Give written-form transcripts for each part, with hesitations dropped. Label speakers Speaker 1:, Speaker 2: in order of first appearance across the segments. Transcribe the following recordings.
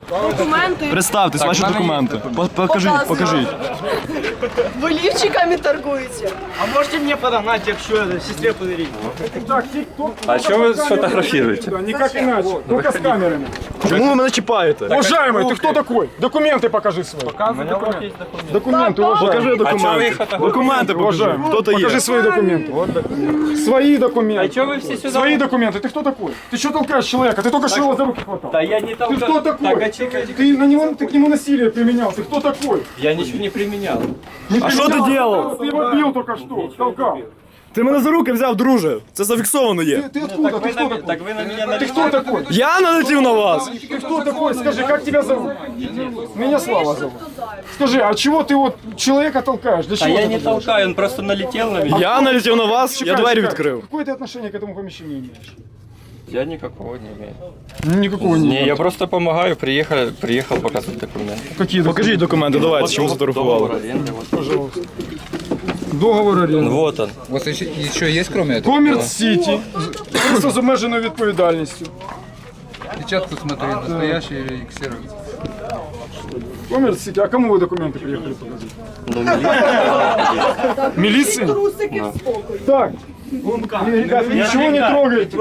Speaker 1: Документи.
Speaker 2: Представтесь, ваші документи. Покажіть.
Speaker 1: Ви лівчиками торгуєте.
Speaker 3: А можете мне подогнать, якщо сестре подарить?
Speaker 4: А что вы сфотографируете?
Speaker 5: Никак иначе, только с камерами.
Speaker 2: Чому ви мене чіпаєте?
Speaker 5: Уважаемый, ты кто такой? Документы покажи свои. Документы, уважаемый.
Speaker 2: Покажи
Speaker 4: А чого ви
Speaker 2: документи.
Speaker 4: їх фотографуєте?
Speaker 2: Документи покажи.
Speaker 5: Уважаемый,
Speaker 2: Хто то є?
Speaker 5: покажи свои документы. Свои документы.
Speaker 4: А что вы все сюда?
Speaker 5: Свои документы. Ты кто такой? Ты что толкаешь человека? Ты только что его за руки хватал.
Speaker 4: Да я не
Speaker 5: Ты
Speaker 4: толкаю.
Speaker 5: кто такой?
Speaker 4: Так, а чекайте.
Speaker 5: Ты к нему насилие применял. Ты кто такой?
Speaker 4: Я ничего не применял.
Speaker 2: А що ти робив?
Speaker 5: Ты его бил только что, толкал.
Speaker 2: Ти мене за руки взяв, друже. Це зафіксовано є.
Speaker 5: Ты откуда? Ты кто такой?
Speaker 4: Так вы на меня
Speaker 5: Ты кто такой?
Speaker 2: Я налетів на вас.
Speaker 5: Ты кто такой? Скажи, как тебя зовут? Меня Слава зовут. Скажи, а чего ты вот человека толкаешь? Для
Speaker 4: А
Speaker 5: чего
Speaker 4: я
Speaker 5: ты
Speaker 4: не
Speaker 5: это делаешь?
Speaker 4: толкаю, он просто налетел на меня.
Speaker 2: Я налетів на вас, я
Speaker 5: Чекай,
Speaker 2: двері
Speaker 5: чекай.
Speaker 2: відкрив.
Speaker 5: Какое ты отношение к этому помещению имеешь?
Speaker 4: Я никакого не имею.
Speaker 5: Никакого не
Speaker 4: Не, я просто помогаю, приехал показывать документы.
Speaker 5: Какие
Speaker 2: Покажіть документи, давайте, чому
Speaker 4: Договор
Speaker 2: сфотографували.
Speaker 4: аренды, вот.
Speaker 5: Пожалуйста. Договор аренды.
Speaker 4: Вот он.
Speaker 6: У вас еще есть кроме этого?
Speaker 5: Коммерц Сити. Просто з обмеженою відповідальністю.
Speaker 6: Печатку смотри, настоящий или ксерокс?
Speaker 5: Коммерц Сити. А кому вы документы приехали показать?
Speaker 4: Ну, милиция.
Speaker 5: Милиции?
Speaker 1: Трусики в спокою.
Speaker 5: Так. Ребята, ничего не трогайте.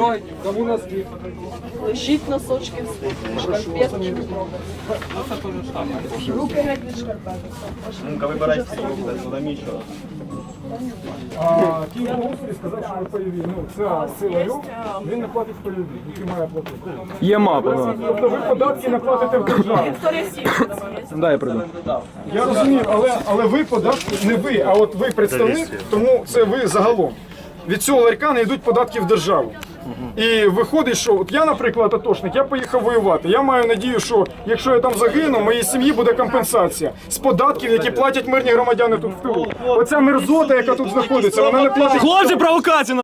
Speaker 1: Лежіть носочки в спокою. Шкарпетки не трогайте. Руки геть від шкарпеток.
Speaker 5: А Київ сказав, що ви пайові. Ну, це сила він не платить пайові, який має платити.
Speaker 2: Є мапа.
Speaker 5: Тобто ви податки не платите в державу.
Speaker 2: Да, я прийду.
Speaker 5: Я розумію, але ви податки не ви, а от ви представник, тому це ви загалом. Від цього ларька не йдуть податки в державу. І виходить, що от я, наприклад, атошник, я поїхав воювати. Я маю надію, що якщо я там загину, моїй сім'ї буде компенсація з податків, які платять мирні громадяни тут в тилу. Оця мерзота, яка тут знаходиться, вона не платить.
Speaker 2: Хлопці, провокація!